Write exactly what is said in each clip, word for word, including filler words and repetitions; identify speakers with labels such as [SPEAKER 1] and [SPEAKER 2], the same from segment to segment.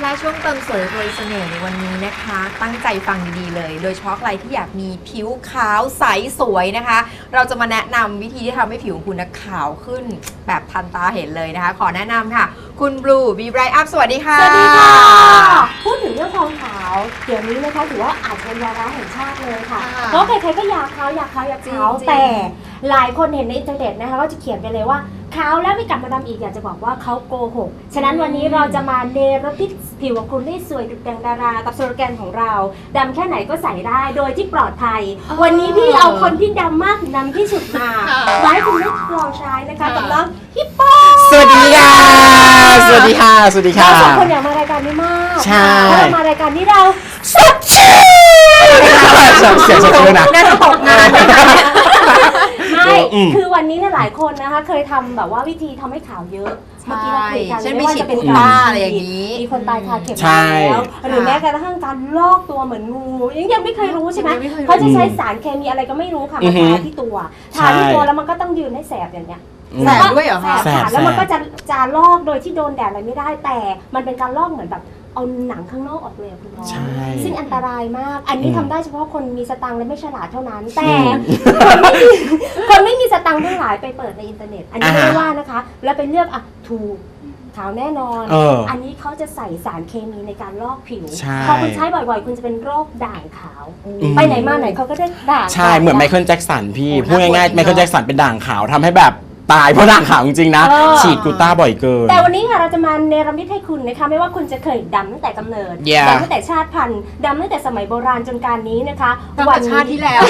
[SPEAKER 1] และช่วงเติมสวยรวยเสน่ห์ในวันนี้นะคะตั้งใจฟังดีๆเลยโดยเฉพาะใครที่อยากมีผิวขาวใสสวยนะคะเราจะมาแนะนำวิธีที่ทำให้ผิวของคุณขาวขึ้นแบบทันตาเห็นเลยนะคะขอแนะนำค่ะคุณบลูบีไบรท์อัพสวัสดีค่ะ
[SPEAKER 2] สวัสดีค่ะพูดถึงเรื่องความขาวเดี๋ยวนี้นะคะถือว่าอาจเป็นวาระแห่งชาติเลยค่ะเพราะใครๆก็อยากขาวอยากขาวอยากขาวแต่หลายคนเห็นในอินเทอร์เน็ตนะคะก็จะเขียนไปเลยว่าขาวแล้วไม่กลับมาดำอีกอยากจะบอกว่าเขาโกหกฉะนั้นวันนี้เราจะมาเนรมิตผิวของคุณให้สวยดุจดังดารากับสโลแกนของเราดำแค่ไหนก็ใส่ได้โดยที่ปลอดภัยวันนี้พี่เอาคนที่ดำมากถึงดำที่สุดมาไว้คุณได้ลองใช้นะคะกับน้องฮิปโป
[SPEAKER 3] สวัสดีค่ะสวัสดีค่ะสวัสดีค่ะ
[SPEAKER 2] เราสองคนอยากมารายการนี้มาก
[SPEAKER 3] ใช่
[SPEAKER 2] เรามารายการนี้เรา
[SPEAKER 3] สดชื่นเสียงสดชื่นนะ
[SPEAKER 1] น่าจะตกงาน
[SPEAKER 2] ไม่คือวันนี้เนี่ยหลายคนนะคะเคยทำแบบว่าวิธีทำให้ขาวเยอะเมื่อกี้เราคุยกันไม่ว่าจะเป็นตาอะไรอย่างนี้มีคนตายคาเข็มแล้วหรือแม้กระทั่งการลอกตัวเหมือนงูยังยังไม่เคยรู้ใช่ไหมเขาจะใช้สารเคมีอะไรก็ไม่รู้ค่ะมาทาที่ตัวทาที่ตัวแล้วมันก็ต้องยืนให้แสบอย่างเงี้ย
[SPEAKER 1] แสบด้วยเหรอคะ
[SPEAKER 2] แสบแล้วมันก็จะจะลอกโดยที่โดนแดดอะไรไม่ได้แต่มันเป็นการลอกเหมือนแบบเอาหนังข้างนอกออกเลยคุณน้องซึ่งอันตรายมากอันนี้ทำได้เฉพาะคนมีสตังค์และไม่ฉลาดเท่านั้นแต่คนไม่มีคนไม่มีสตังค์ทั้งหลายไปเปิดในอินเทอร์เน็ตอันนี้ไม่ว่านะคะแล้วไปเลือกอ่ะถูกขาวแน่นอนอันนี้เขาจะใส่สารเคมีในการลอกผิวพอคุณใช้บ่อยๆคุณจะเป็นโรคด่างขาวไปไหนมาไหนเขาก็ได้ด่าง
[SPEAKER 3] ใช่เหมือนไมเคิลแจ็คสันพี่พูดง่ายๆไมเคิลแจ็คสันเป็นด่างขาวทำให้แบบตายเพราะด่างขาวจริงๆนะฉีดกูต้าบ่อยเกิน
[SPEAKER 2] แต่วันนี้ค่ะเราจะมาเนรมิตให้คุณนะคะไม่ว่าคุณจะเคยดำตั้งแต่กำเนิด
[SPEAKER 3] yeah.
[SPEAKER 2] ดำตั้งแต่ชาติพันธุ์ดำตั้งแต่สมัยโบราณจนการนี้นะคะ
[SPEAKER 1] วันชาติที่แล้ว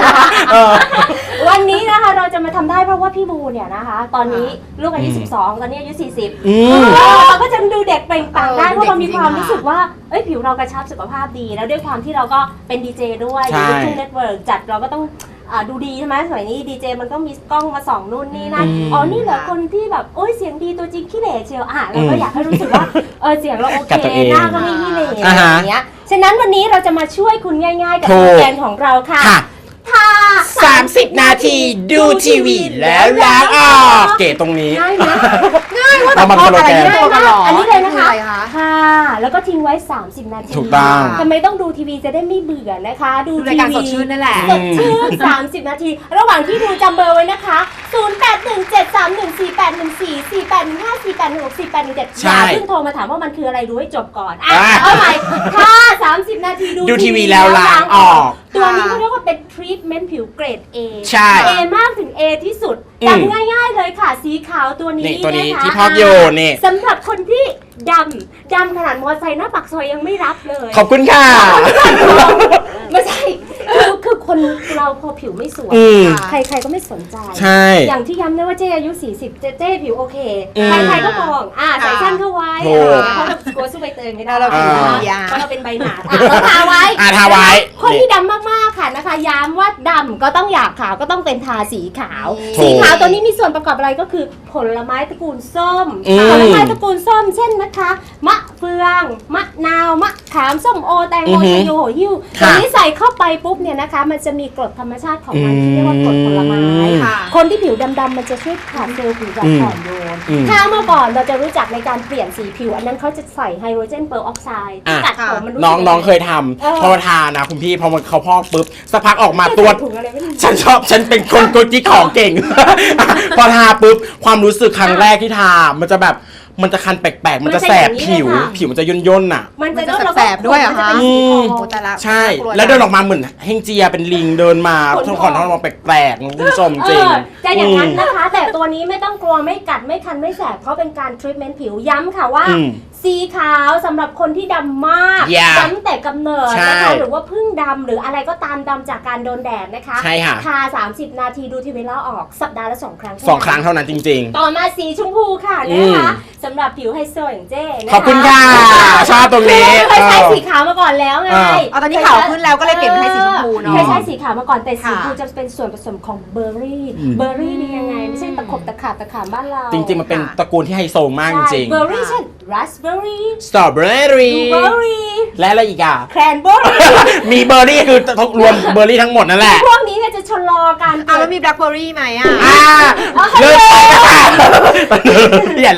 [SPEAKER 2] วันนี้นะคะเราจะมาทำได้เพราะว่าพี่บูเนี่ยนะคะตอนนี้ลูกอายุสิบสองตอนนี้อายุสี่สิบเราก็จะดูเด็กเปล่งปลั่งได้เพราะเรามีความรู้สึกว่าเอ้ยผิวเรากระชับสุขภาพดีแล้วด้วยความที่เราก็เป็นดีเจด้วยอยู่ในทุ่งเน็ตเวิร์กจัดเราก็ต้องดูดีใช่ไหมสมัยนี้ดีเจมันก็มีกล้องมาส่องนู่นนี่นั่นอ๋อนี่เหรอคนที่แบบโอ้ยเสียงดีตัวจริงขี้เหร่เชียวอ่ะเราก็อยากให้รู้สึกว่าเออเสียงเราโอเคหน้าก็ไม่ขี้เหร่อะไรอย่างเงี้ยฉะนั้นวันนี้เราจะมาช่วยคุณง่ายๆกับโปรแกรมของเราค่ะทา
[SPEAKER 3] สามสิบนาทีดูทีวีแล้วล้างออกเก๋ตรงนี้
[SPEAKER 2] ง่ายไหม
[SPEAKER 1] ง่ายว่าแต่พออะไรที่ตัวกันหรอ
[SPEAKER 2] อันนี้เลยนะคะค่ะแล้วก็ทิ้งไว้สามสิบนาที
[SPEAKER 3] ถูกต้อง
[SPEAKER 2] ทำไมต้องดูทีวีจะได้ไม่เบื่อนะคะดู
[SPEAKER 1] รายการสดชื่นนั่นแหละ
[SPEAKER 2] สดชื่นสามสิบนาทีระหว่างที่ดูจำเบอร์ไว้นะคะศูนย์ แปด หนึ่ง เจ็ด สาม หนึ่ง สี่ แปด หนึ่ง สี่ สี่ แปด หนึ่ง ห้า สี่ แปด หนึ่ง หก สี่ แปด หนึ่ง เจ็ดอย่าเพิ่งโทรมาถามว่ามันคืออะไรดูให้จบก่อนอ่ะเอาใหม่ค่ะสามสิบนาที
[SPEAKER 3] ดูทีวีแล้วล้างออก
[SPEAKER 2] ตัวนี้เขาเรียกว่าเป็นทรีทเมนต์ผิวเกรด A
[SPEAKER 3] ใช่
[SPEAKER 2] A มากถึง A ที่สุดจำง่ายๆเลยค่ะสีขาวตัวนี้
[SPEAKER 3] ตัวนี้
[SPEAKER 2] นะคะ
[SPEAKER 3] ที่พอกโยนี่
[SPEAKER 2] สำหรับคนที่ดำดำขนาดมอเตอร์ไซค์หน้าปากซอยยังไม่รับเลย
[SPEAKER 3] ขอบคุณค่ะ
[SPEAKER 2] ไม่ใช่คือคือคนเราพอผิวไม่สวยใครๆก็ไม่สนใจ
[SPEAKER 3] ใช่
[SPEAKER 2] อย่างที่ย้ำนะว่าเจ๊อายุสี่สิบเจ๊เจ๊ผิวโอเคใครๆก็มองอ่าใส่สั้นเข้าไว้เพราะเรากลัวสู้ใบเตยไม่ได้เราเป็นเพราะเราเป็นใบหนาเราทาไว้
[SPEAKER 3] ทาไว้
[SPEAKER 2] คนที่ดำมากๆค่ะนะคะย้ำว่าดำก็ต้องอยากขาวก็ต้องเป็นทาสีขาวสีขาวตัวนี้มีส่วนประกอบอะไรก็คือผลไม้ตระกูลส้มผลไม้ตระกูลส้มเช่นนะคะมะเฟืองมะนาวมะขามส้มโอแตงโมชะโยโหหิ้วตัวนี้ใส่เข้าไปปุ๊บเนี่ยนะคะมันจะมีกรดธรรมชาติของมันที่เรียกว่ากรดผลไม้คนที่ผิวดำๆมันจะช่วยขับเซลล์ผิวแบบอ่อนโยนถ้าเมื่อก่อนเราจะรู้จักในการเปลี่ยนสีผิวอันนั้นเขาจะใส่ไฮโดรเจนเปอร์ออกไซด์ตัดผมมัน
[SPEAKER 3] น้องน้องเคยทำพอทานะคุณพี่พอมันเขาพอกปุ๊บสักพักออกมาตัวฉันชอบฉันเป็นคนกดที่ของเก่งพอทาปุ๊บความรู้สึกครั้งแรกที่ทามันจะแบบมันจะคันแปลกๆมันจะแสบผิวผิวมันจะย่นย่นอ่ะ
[SPEAKER 2] มันจะ
[SPEAKER 1] แสบด้วยเหรอคะ
[SPEAKER 3] ใช่แล้วเดินออกมาเหมือนเฮงเจียเป็นลิงเดินมาทุกคนท้องมองแปลกๆคุณผู้ชมจริง
[SPEAKER 2] จะอย่างนั้นนะคะแต่ตัวนี้ไม่ต้องกลัวไม่กัดไม่คันไม่แสบเพราะเป็นการทรีทเมนต์ผิวย้ำค่ะว่าสีขาวสำหรับคนที่ดำมากดำแต่กำเนิดนะคะหรือว่าเพิ่งดำหรืออะไรก็ตามดำจากการโดนแดดนะคะ
[SPEAKER 3] ใช่ค่ะ
[SPEAKER 2] ทาสามสิบนาทีดูทีวีแล้วออกสัปดาห์ละสองครั้ง
[SPEAKER 3] สองครั้งเท่านั้นจริง
[SPEAKER 2] ๆต่อมาสีชมพูค่ะนะคะสำหรับผิวไฮโซอย่างเจ้
[SPEAKER 3] ขอบคุณค่ะชอบตรงนี้
[SPEAKER 2] เคยใช้สีขาวมาก่อนแล้วไง
[SPEAKER 1] เอาตอนนี้ขาวขึ้นแล้วก็เลยเปลี่ยนเป็นสีชมพูเนาะ
[SPEAKER 2] เคยใช้สีขาวมาก่อนแต่สีชมพูจะเป็นส่วนผสมของเบอร์รี่เบอร์รี่นี่ยังไงไม่ใช่ตะขบตะขาบตะขามบ้านเรา
[SPEAKER 3] จริงๆมันเป็นตระกูลที่ไฮโซมากจริง
[SPEAKER 2] เบอร์รี่เช่นราสเบอร์รี่
[SPEAKER 3] สตรอเบอร์รี่
[SPEAKER 2] บลูเบอร์รี่
[SPEAKER 3] และอะไรอีกอ่ะ
[SPEAKER 2] แครนเบอร์รี่
[SPEAKER 3] มีเบอร์รี่คือรวมเบอร์รี่ทั้งหมดนั่นแหละ
[SPEAKER 2] พวกนี้เนี่ยจะชะลอการ
[SPEAKER 1] อ่ะแล้วมีแบล็คเบอร์รี่ไหมอ่ะ
[SPEAKER 3] เลิกไปค่ะเปลี่ยนแล้ว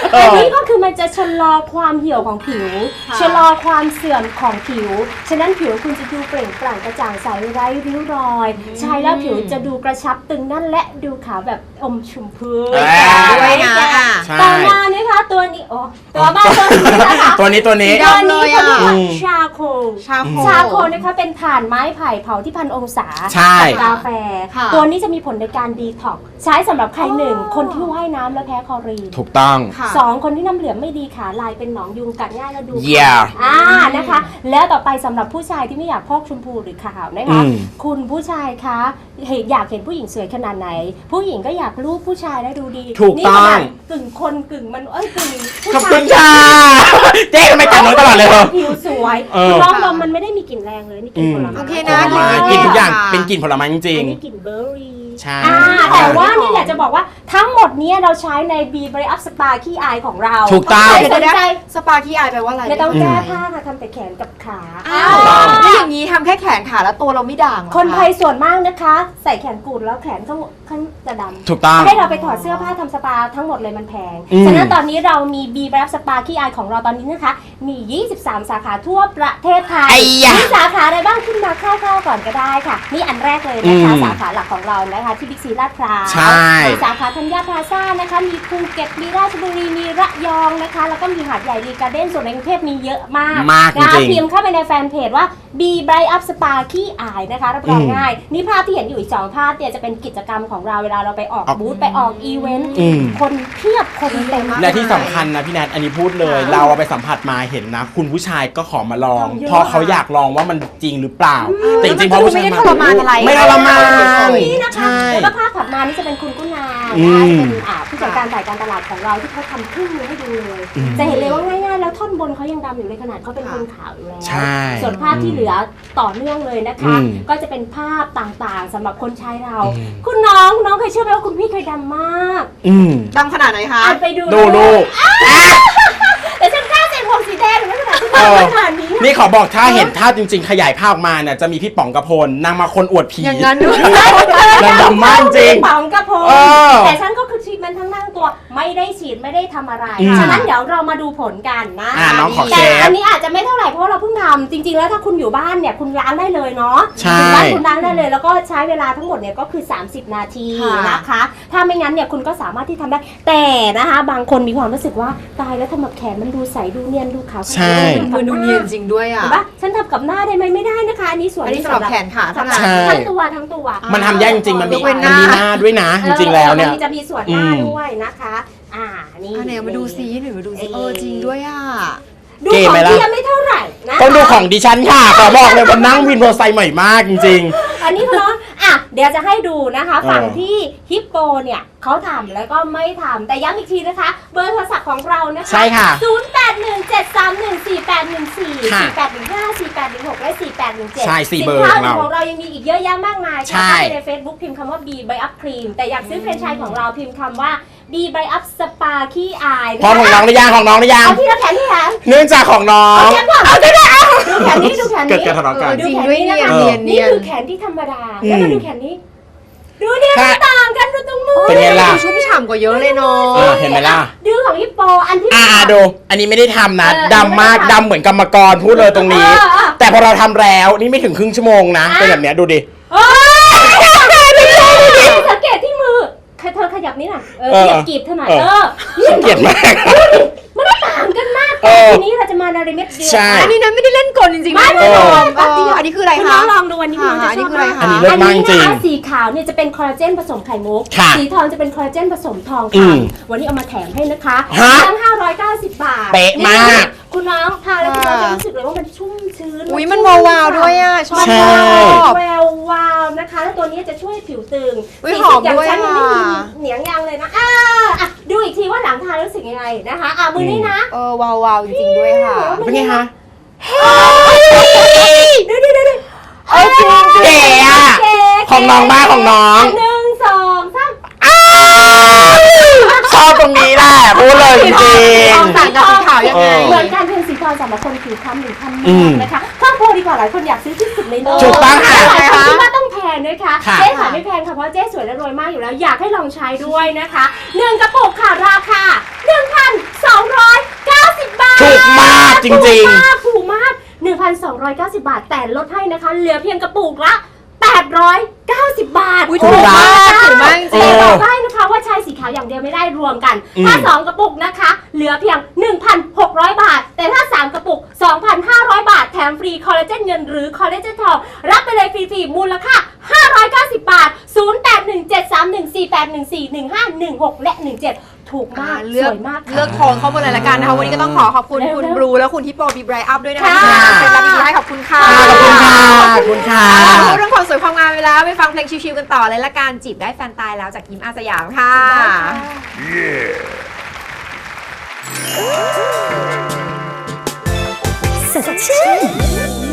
[SPEAKER 2] อันนี้ก็คือมันจะชะลอความเหี่ยวของผิว
[SPEAKER 1] ค่ะ
[SPEAKER 2] ชะลอความเสื่อมของผิว ฉะนั้นผิวคุณจะดูเปล่งปลั่งกระจ่างใสไร้ริ้วรอยใช้แล้วผิวจะดูกระชับตึงแนั่นและดูขาวแบบอมชมพู
[SPEAKER 1] ด้วยนะอ่ะ
[SPEAKER 3] ใช่
[SPEAKER 2] ต่อมานะคะตัวนี้โอ้ตัวมาตัวนี้นะคะ
[SPEAKER 3] ตัวนี้ตัวนี้
[SPEAKER 1] สี
[SPEAKER 2] ตัว
[SPEAKER 1] ดำ
[SPEAKER 2] นี้เขาเรียกว่า
[SPEAKER 3] อืม
[SPEAKER 2] ชาโค
[SPEAKER 1] ชาโค
[SPEAKER 2] ชาโคนะคะเป็นถ่านไม้ไผ่เผาที่พันองศา
[SPEAKER 3] ใช่
[SPEAKER 2] กับกาแฟ
[SPEAKER 1] ค่ะ
[SPEAKER 2] ตัวนี้จะมีผลในการดีท็อกซ์ใช้สำหรับใครหนึ่งคนที่ว่ายน้ำและแพ้คลอรีน
[SPEAKER 3] ถูกต้อง
[SPEAKER 1] ค่ะ
[SPEAKER 2] สองคนที่น้ำเหลืองไม่ดีขาลายเป็นหนองยุงกัดง่ายแล้วดู
[SPEAKER 3] Yeah
[SPEAKER 2] อ่านะคะ แล้วต่อไปสำหรับผู้ชายที่ไม่อยากพอกชมพูหรือขาวนะคะ
[SPEAKER 3] อืม
[SPEAKER 2] คุณผู้ชายคะเห็นอยากเห็นผู้หญิงสวยขนาดไหน ผู้หญิงก็อยากรูปผู้ชายได้ดูดี
[SPEAKER 3] ถูก
[SPEAKER 2] นี่
[SPEAKER 3] ต้
[SPEAKER 2] ข
[SPEAKER 3] อง
[SPEAKER 2] นาดกึ่งคนกึ่งมันเอ้ยกึ่งผู้
[SPEAKER 3] ขอบ
[SPEAKER 2] ชา
[SPEAKER 3] คุ
[SPEAKER 2] ย
[SPEAKER 3] ณค่ะเจ๊ทำไมแต่งน้องตลอดเลยเหรอ
[SPEAKER 2] ผิวสวย
[SPEAKER 3] เออ
[SPEAKER 2] น้องนมมันไม่ได้มีกลิ่นแรงเลยนี่กลิ่นผลไม้
[SPEAKER 1] โอเค
[SPEAKER 3] ผ
[SPEAKER 1] นะ
[SPEAKER 3] ลไม้
[SPEAKER 1] กลิ่
[SPEAKER 3] กิน
[SPEAKER 1] น
[SPEAKER 3] ทุกอย่าง
[SPEAKER 1] ค่ะ
[SPEAKER 3] เป็นกลิ่นผลไม้จริง
[SPEAKER 2] อันนี้กลิ่นเบอร์รี่
[SPEAKER 3] ใช่
[SPEAKER 2] อ่าแต่ว่านี่แหละจะบอกว่าทั้งหมดเนี้เราใช้ใน B Bright Up Spa ขี้อายของเรา
[SPEAKER 3] ถูกต้อง
[SPEAKER 2] ใครสนใจ
[SPEAKER 1] สปาขี้อายแปลว่าอะไร
[SPEAKER 2] ไม่ต้องแก้ผ้าค่ะทำแต่แขนกับขา
[SPEAKER 1] อ้าวแล้วอย่างนี้ทำแค่แขนขาแล้วตัวเราไม่ด่างเหรอ
[SPEAKER 2] คนไทยส่วนมากนะคะ ใส่แขนกุดแล้วแขนข้างข้างจะดำ
[SPEAKER 3] ถูกต้อง
[SPEAKER 2] ให้เราไปถอดเสื้อผ้าทำสปาทั้งหมดเลยมันแพง
[SPEAKER 3] อืม
[SPEAKER 2] ฉะนั้นตอนนี้เรามี B Bright Up Spa ขี้อายของเราตอนนี้นะคะ มี ยี่สิบสาม สาขาทั่วประเทศไทย
[SPEAKER 3] ไอ้ยะ
[SPEAKER 2] มีสาขาอะไรบ้างขึ้นมาคร่าวๆก่อนก็ได้ค่ะ นี่อันแรกเลยนะคะ
[SPEAKER 3] อืม
[SPEAKER 2] สาขาหลักของเรานะคะที่บิ๊กซีลาดพร้าว
[SPEAKER 3] ใช่
[SPEAKER 2] มีสาขาธัญญาพลาซ่านะคะ มีภูเก็ต มีราชบุรี มีระยองนะคะ แล้วก็มีหาดใหญ่รีการ์เด้น ส่วนในกรุงเทพมีเยอะมาก
[SPEAKER 3] มากจริงๆ
[SPEAKER 2] นะพิมพ์เข้าไปในแฟนเพจว่า B Bright Up Spa ขี้อายนะคะรับรอง
[SPEAKER 3] อืม
[SPEAKER 2] ง่าย นี่ภาพที่เห็นอยู่อีกสองภาพเนี่ยจะเป็นกิจกรรมของเราเวลาเราไปออก
[SPEAKER 3] ออก
[SPEAKER 2] บูธไปออกอีเวนต์
[SPEAKER 3] อืม
[SPEAKER 2] คนเพียบคนเต็ม
[SPEAKER 3] และที่สำคัญนะพี่แนทอันนี้พูดเลย
[SPEAKER 1] ค่ะ
[SPEAKER 3] เราเอาไปสัมผัสมาเห็นนะ คุณผู้ชายก็ขอมาลอง
[SPEAKER 2] เยอะ
[SPEAKER 3] เพราะเขาอยากลองว่ามันจริงหรือเปล่า แต่จริงๆเพราะผู้ชาย
[SPEAKER 1] ไม่ได้ทรมานอะไร
[SPEAKER 3] ไม่ทรมาน
[SPEAKER 2] นี่นะคะ
[SPEAKER 3] ใช่
[SPEAKER 2] แล้วก็ภาพถัดมานี่จะเป็นคุณกุณา
[SPEAKER 3] อื
[SPEAKER 2] นะคะ
[SPEAKER 3] ม
[SPEAKER 2] จะเป็นอ่าผู้จัดการฝ่ายการตลาดของเราที่เขาทำเครื่องมือให้ดูเลย
[SPEAKER 3] อืม
[SPEAKER 2] จะเห็นเลยว่าง่ายๆแล้วท่อนบนเขายังดำอยู่เลยขนาดเขาเป็นคนขาวอยู่แล้ว
[SPEAKER 3] ใช่
[SPEAKER 2] ส่วนภาพที่เหลือต่อเนื่องเลยนะคะ
[SPEAKER 3] อืม
[SPEAKER 2] ก็จะเป็นภาพต่างๆสำหรับคนใช้เรา
[SPEAKER 3] อืม
[SPEAKER 2] คุณน้องน้องเคยเชื่อไหมว่าคุณพี่เคยดำมาก
[SPEAKER 3] อืม
[SPEAKER 1] ดำขนาดไหนคะ
[SPEAKER 2] อ่านไปดู
[SPEAKER 3] ดูดู
[SPEAKER 2] แต่ฉันกล้าใส่ผมสีแดงหรือไม่ขนาดที่
[SPEAKER 3] เออ
[SPEAKER 2] ขนาดนี้
[SPEAKER 3] นี่ขอบอกถ้าเห็นภาพจริง ๆ ขยายภาพออกมาเนี่ยจะมีพี่ป๋องกระพลนางมาคนอวดผี
[SPEAKER 1] อย่างนั้นด้วย
[SPEAKER 3] นางดำมากจริง
[SPEAKER 2] ป๋องกระพง
[SPEAKER 3] เออ
[SPEAKER 2] แต่ฉันก็คือชีดมันทั้งนั่งตัวไม่ได้ฉีดไม่ได้ทำอะไร
[SPEAKER 3] อืม
[SPEAKER 2] ฉะนั้นเดี๋ยวเรามาดูผลกันนะ
[SPEAKER 3] อ่าน้องขอ
[SPEAKER 2] แต่
[SPEAKER 3] เชฟ
[SPEAKER 2] อันนี้อาจจะไม่เท่าไหร่เพราะเราเพิ่งทำจริง ๆ แล้วถ้าคุณอยู่บ้านเนี่ยคุณล้างได้เลยเนาะ
[SPEAKER 3] ใช่
[SPEAKER 2] คุณล้างคุณล้างได้เลย แล้วก็ใช้เวลาทั้งหมดเนี่ยก็คือ สามสิบ นาที
[SPEAKER 1] ค่ะ
[SPEAKER 2] นะคะ ถ้าไม่งั้นเนี่ยคุณก็สามารถที่ทำได้ แต่นะคะ บางคนมีความรู้สึกว่าตายแล้วทำแบบแขนมันดูใสดูเนียนดูขาว
[SPEAKER 3] ใช่
[SPEAKER 1] มือดูเนียนจริงด้วยอ่ะ
[SPEAKER 2] เห็นปะฉันทำกับหน้าได้ไหมไม่ได้นะคะ อันนี้ส่วน
[SPEAKER 1] อันนี้สำหรับแขนขาเท่านั้น
[SPEAKER 3] ใช่
[SPEAKER 2] ทั้งตัวทั้งตัว
[SPEAKER 3] มันทำยากจริงๆมันมี
[SPEAKER 1] ยกเว้นห
[SPEAKER 3] มัน
[SPEAKER 1] น้า
[SPEAKER 3] มีหน้าด้วยนะ จริงๆแล้วเนี่ย
[SPEAKER 2] ออมันจะมีส่วนหน้า
[SPEAKER 3] อืม
[SPEAKER 2] ด้วยนะคะ อ่า นี่
[SPEAKER 1] อันไหนมาดูซิหน่อยมาดูซิ
[SPEAKER 2] เออ
[SPEAKER 1] เออจริงด้วยอ่ะ
[SPEAKER 2] ดู
[SPEAKER 3] เก๋
[SPEAKER 2] ของ
[SPEAKER 3] ไหมล่ะ
[SPEAKER 2] เทียมไม่เท่าไหร่นะ
[SPEAKER 3] ต้องดูของดิฉันค่ะขอบอกเลยว่านั่งวินมอเตอร์ไซค์ใหม่มากจริง
[SPEAKER 2] อันนี้เนาะอ่ะ เดี๋ยวจะให้ดูนะคะ
[SPEAKER 3] เออ
[SPEAKER 2] ฝั่งที่ฮิปโปเนี่ยเขาทำแล้วก็ไม่ทำแต่ย้ำอีกทีนะคะ เบอร์โทรศัพท์ของเรานะคะ
[SPEAKER 3] ใช่ค่ะ
[SPEAKER 2] ศูนย์ แปด หนึ่ง เจ็ด สาม หนึ่ง สี่ แปด หนึ่ง สี่
[SPEAKER 3] ค่ะ
[SPEAKER 2] สี่ แปด หนึ่ง ห้า สี่ แปด หนึ่ง หก และ สี่ แปด หนึ่ง เจ็ด
[SPEAKER 3] ใช่สี่
[SPEAKER 2] สิน
[SPEAKER 3] เบอร์
[SPEAKER 2] ค้า
[SPEAKER 3] ของเรา
[SPEAKER 2] ของเรายังมีอีกเยอะแยะมากมาย
[SPEAKER 3] ใช่
[SPEAKER 2] ค่ะเข้าไปใน Facebook พิมพ์คำว่า B by Up Cream แต่อยากซื้อแฟรนไชส์ของเราพิมพ์คำว่า B by Up Spa ขี้อาย
[SPEAKER 3] ๆพร้อมของน้องหรือยังของน้องหรือยัง
[SPEAKER 2] เอาที่ละแขนที่แขน
[SPEAKER 3] เนื่องจากของน้อง
[SPEAKER 2] เอาแขนก่อนเอาแขนก่อนดูแขนนี้ดูแขนนี้
[SPEAKER 3] เกิดการทะเลาะกัน
[SPEAKER 2] ดู
[SPEAKER 1] จริง
[SPEAKER 2] แขน
[SPEAKER 1] ด้วย
[SPEAKER 2] นี้
[SPEAKER 1] เนีย
[SPEAKER 2] นะ
[SPEAKER 1] น
[SPEAKER 2] คะ
[SPEAKER 1] เนียน
[SPEAKER 2] นี่
[SPEAKER 1] เนียน
[SPEAKER 2] คือแขนที่ธรรมดา
[SPEAKER 3] อืม
[SPEAKER 2] แล้วมาดูแขนนี้ ดูเนี่ย
[SPEAKER 3] ค่ะ
[SPEAKER 2] ต่างกันดูตรงมือ
[SPEAKER 3] เป็นไงล่ะ
[SPEAKER 1] ชุ่มฉ่ำกว่าเยอะเลยเนา
[SPEAKER 3] อ่า
[SPEAKER 1] ะ
[SPEAKER 3] เห็นไหมล่ะ
[SPEAKER 2] ดูของฮิปโปอันที่
[SPEAKER 3] อ่าดู อันนี้ไม่ได้ทำนะ
[SPEAKER 2] เออ
[SPEAKER 3] ดำมาก
[SPEAKER 2] ไม่ได้ทำ
[SPEAKER 3] ดำเหมือนกรรมกรพูดเลยตรงนี้
[SPEAKER 2] เออเออ
[SPEAKER 3] แต่พอเราทำแล้วนี่ไม่ถึงครึ่งชั่วโมงนะ เป็นแบบเนี้ยดูดิ
[SPEAKER 2] เอ้ยสังเกตที่มือเธอขยับนี่หน่อยเออ
[SPEAKER 3] เออ
[SPEAKER 2] เหยียบกีบเท่าไหร่
[SPEAKER 3] เออ
[SPEAKER 2] เออนี่
[SPEAKER 3] เกลียดมาก
[SPEAKER 2] มันต่างกันมาก
[SPEAKER 3] เออ
[SPEAKER 2] ทีนี้เราจะมาในเม็ดเดียว
[SPEAKER 3] ใช่
[SPEAKER 1] อันนี้นะไม่ได้เล่นกลจริงๆ
[SPEAKER 2] ไม่
[SPEAKER 1] นะ
[SPEAKER 2] ไม่
[SPEAKER 1] คุณ
[SPEAKER 2] ไม่
[SPEAKER 1] ผู้ชม
[SPEAKER 2] แป๊บเดียว
[SPEAKER 1] อันนี้คืออะไร
[SPEAKER 2] คุณ
[SPEAKER 1] คะ
[SPEAKER 2] น้องลองดูอันนี้
[SPEAKER 1] ค่ะ
[SPEAKER 2] คุณจะ
[SPEAKER 1] อันนี้
[SPEAKER 2] ชอบ
[SPEAKER 1] คืออะไร
[SPEAKER 2] มาก
[SPEAKER 1] คะ
[SPEAKER 3] อันนี้เลิศมากจริง
[SPEAKER 2] อันนี้นะคะสีขาวเนี่ยจะเป็นคอลลาเจนผสมไข่มุก
[SPEAKER 3] ค่ะ
[SPEAKER 2] สีทองจะเป็นคอลลาเจนผสมทอง
[SPEAKER 3] อื
[SPEAKER 2] ค
[SPEAKER 3] ม
[SPEAKER 2] ำวันนี้เอามาแถมให้นะคะ
[SPEAKER 3] ฮะ
[SPEAKER 2] ตั้งห้าร้อยเก้าสิบบาท
[SPEAKER 3] เป๊ะมาก
[SPEAKER 2] นี่คุณน้องทานแล้วคุณน้อง
[SPEAKER 1] ค่ะ
[SPEAKER 2] จะรู้สึกเลยว่ามันชุ่มชื้น
[SPEAKER 1] อุ้ยมัน
[SPEAKER 2] ชุ่
[SPEAKER 1] วาวๆด้วยอ่ะชอบ
[SPEAKER 3] ใช่
[SPEAKER 1] ชอบ
[SPEAKER 2] แวววาวนะคะ แล้วตัวนี้จะช่วยผิวตึง
[SPEAKER 1] อุ๊ย
[SPEAKER 2] สี
[SPEAKER 1] หอม
[SPEAKER 2] อย่าง
[SPEAKER 1] ด้วย
[SPEAKER 2] ฉันมันไม่มี
[SPEAKER 1] อ่ะ
[SPEAKER 2] เหนียงยังเลยนะอ่าอ่ะดูอีกทีว่าหลังทานรู้สึกยังไงนะคะอ่ะมือนี้นะ
[SPEAKER 1] เออวาวๆจริงๆด้วยค่ะ
[SPEAKER 3] เป็นไงคะ
[SPEAKER 2] ดูดูดูดู
[SPEAKER 1] เออจริงๆ
[SPEAKER 3] เก๋อะ
[SPEAKER 2] เก๋
[SPEAKER 3] ของน้องบ้างของน้อง
[SPEAKER 2] หนึ่งสองสาม
[SPEAKER 3] ชอบตรงนี้แหละพูดเลยจริง
[SPEAKER 1] ทองต่างกับสีขาวยังไง
[SPEAKER 3] เออ
[SPEAKER 2] เหมือนการเป็นสีทองสำหรับคนผิวคล้ำหรือคล้ำ
[SPEAKER 3] อื
[SPEAKER 2] มาม กนะคะเพิ่มโพดีกว่าหลายคนอยากซื้อที่สุดในโลก
[SPEAKER 3] ถูกต้องค่ะ
[SPEAKER 2] หลายคนคิดว่าต้องแพงด้วยค่ะ
[SPEAKER 3] ค่ะ
[SPEAKER 2] เจ๊ขายไม่แพงค่ะเพราะเจ๊สวยและรวยมากอยู่แล้วอยากให้ลองใช้ด้วยนะคะหนึ่งกระปุกค่ะราคา หนึ่งพันสสองร้อยเก้าสิบบาท
[SPEAKER 3] ถูกมากจริงๆ
[SPEAKER 2] ถูกมากถูกมาก หนึ่งพันสองร้อยเก้าสิบ บาทแต่ลดให้นะคะเหลือเพียงกระปุกละแปดร้อยเก้าสิบ บาท
[SPEAKER 1] อุ๊ยถูกมากถูกมากจริง
[SPEAKER 2] แต่บอกได้นะคะว่าชายสีขาวอย่างเดียวไม่ได้รวมกัน
[SPEAKER 3] อืม
[SPEAKER 2] ถ้าสองกระปุกนะคะเหลือเพียง หนึ่งพันหกร้อย บาท แต่ถ้าสามกระปุก สองพันห้าร้อย บาทแถมฟรีคอลลาเจนเงินหรือคอลลาเจนทองรับไปเลยฟรีๆมูลค่าห้าร้อยเก้าสิบ บาท ศูนย์ แปด หนึ่ง เจ็ด สาม หนึ่ง สี่ แปด หนึ่ง สี่ หนึ่ง ห้า หนึ่ง หก และ หนึ่ง เจ็ด ถูกมาก
[SPEAKER 1] เลื
[SPEAKER 2] ส
[SPEAKER 1] อก
[SPEAKER 2] วยมาก
[SPEAKER 1] เลือกโทนเข้ามาเลยละกันนะคะวันนี้ก็ต้องขอขอบคุณคุณบลูและคุณทิปโปบีไบรอัพด้วยนะคะ
[SPEAKER 2] ค่ะ
[SPEAKER 1] ที่มาเป็นรับดีๆให้ขอบคุณค่ะ
[SPEAKER 3] ขอบคุณค่ะขอบคุณค่ะ
[SPEAKER 1] เอาล่ะพูดเรื่องความสวยความงามไปแล้วไปฟังเพลงชิวๆกันต่อเลยละกันจีบได้แฟนตายแล้วจากยิมอาสยามค่ะ
[SPEAKER 2] สดชื่น